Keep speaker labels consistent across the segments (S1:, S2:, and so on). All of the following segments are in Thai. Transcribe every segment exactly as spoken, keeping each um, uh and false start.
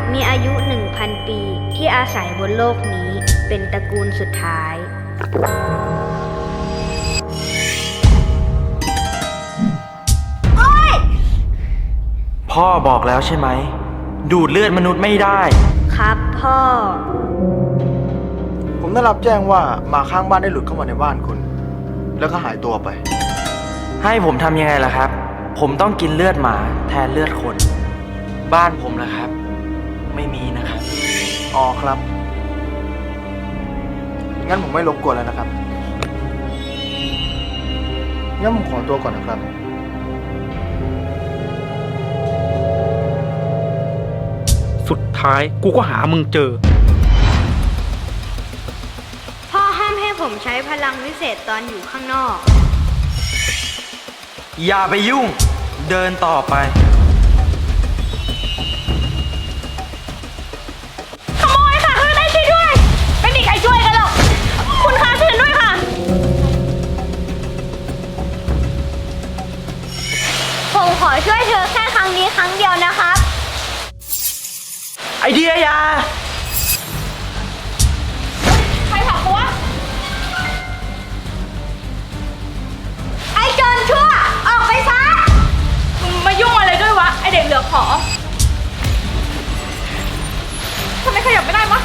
S1: มีอายุ หนึ่งพัน ปีที่อาศัยบนโลกนี้เป็นตระกูลสุดท้าย โอ๊ย
S2: พ่อบอกแล้วใช่ไหมดูดเลือดมนุษย์ไม่ได้
S1: ครับพ่อ
S3: ผมได้รับแจ้งว่าหมาข้างบ้านได้หลุดเข้ามาในบ้านคุณ แล้วก็หายตัวไป
S2: ให้ผมทำยังไงล่ะครับผมต้องกินเลือดหมาแทนเลือดคนบ้านผมล่ะครับไม่มีนะครับ
S3: อ๋อครับ งั้นผมไม่รบกวนแล้วนะครับ งั้นผมขอตัวก่อนนะครับ
S4: สุดท้ายกูก็หามึงเจอ
S1: พ่อห้ามให้ผมใช้พลังวิเศษตอนอยู่ข้างนอก
S2: อย่าไปยุ่งเดินต่อไป
S5: ขโมยค่ะช่วยได้ช่วยด้วยไม่มีใครช่วยกันหรอกคุณคะช่วยด้วยค่ะผมขอช่วยเธอแค่ครั้งนี้ครั้งเดียวนะครับ
S2: ไอเดียยา
S5: ใครผลักกูวะไอ้โจรชั่วออกไปซะมึงมายุ่งอะไรด้วยวะไอเด็กเหลือขอทำไมขยับไม่ได้วะ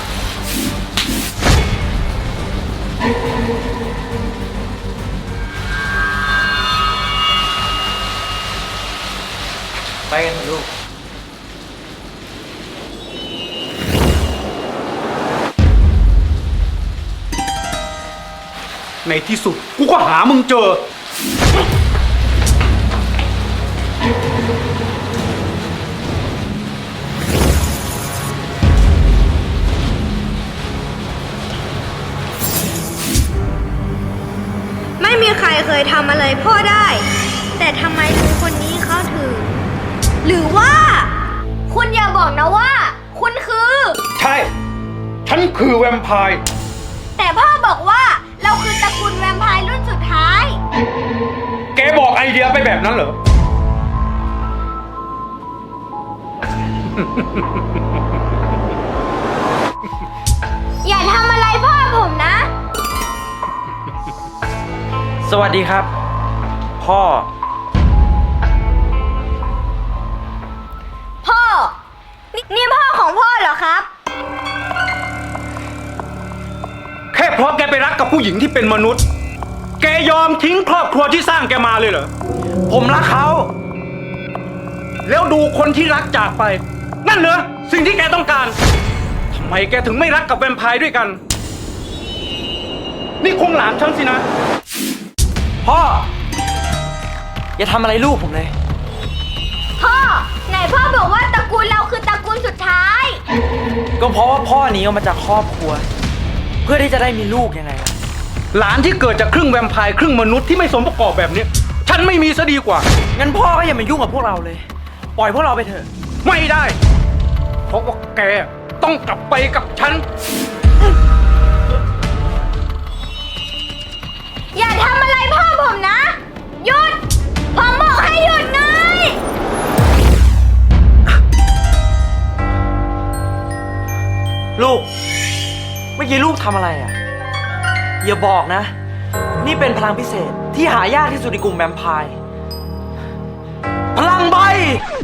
S2: ไปกันเถอะลูก
S4: ในที่สุดกูก็หามึงเจอ
S1: ไม่มีใครเคยทำอะไรพ่อได้ แต่ทำไมลุงคนนี้เขาถึง หรือว่า
S5: คุณอย่าบอกนะว่า คุณคือ
S4: ใช่ฉันคือแวมไพร์
S5: แต่พ่อบอกว่าเราคือตระกูลแวมไพร์รุ่นสุดท้าย
S4: แกบอกไอเดียไปแบบนั้นเหรอ
S5: อย่าทำอะไรพ่อผมนะ
S2: สวัสดีครับพ่อ
S5: พ่อ นี่นี่พ่อของพ่อเหรอครับ
S4: แค่เพราะแกไปรักกับผู้หญิงที่เป็นมนุษย์ แกยอมทิ้งครอบครัวที่สร้างแกมาเลยเหรอ
S2: ผมรักเขา
S4: แล้วดูคนที่รักจากไป นั่นเหรอสิ่งที่แกต้องการทำไมแกถึงไม่รักกับแวมไพร์ด้วยกัน นี่คงหลานฉันสินะ
S2: พ่ออย่าทำอะไรลูกผมเลย
S5: พ่อ ไหนพ่อบอกว่าตระกูลเราคือตระกูลสุดท้าย
S2: ก็เพราะว่าพ่อหนีออกมาจากครอบครัว เพื่อที่จะได้มีลูกยังไงล่ะ
S4: หลานที่เกิดจากครึ่งแวมไพร์ครึ่งมนุษย์ที่ไม่สมประกอบแบบนี้ฉันไม่มีซะดีกว่า
S2: งั้นพ่อก็อย่ามายุ่งกับพวกเราเลย ปล่อยพวกเราไปเถอะ
S4: ไม่ได้ เพราะว่าแกต้องกลับไปกับฉัน
S5: อย่าทำอะไรพ่อผมนะ หยุด ผมบอกให้หยุดไง
S2: ลูก เมื่อกี้ลูกทำอะไรอ่ะ อย่าบอกนะ นี่เป็นพลังพิเศษที่หายากที่สุดในกลุ่มแวมไพร์ พลังใบ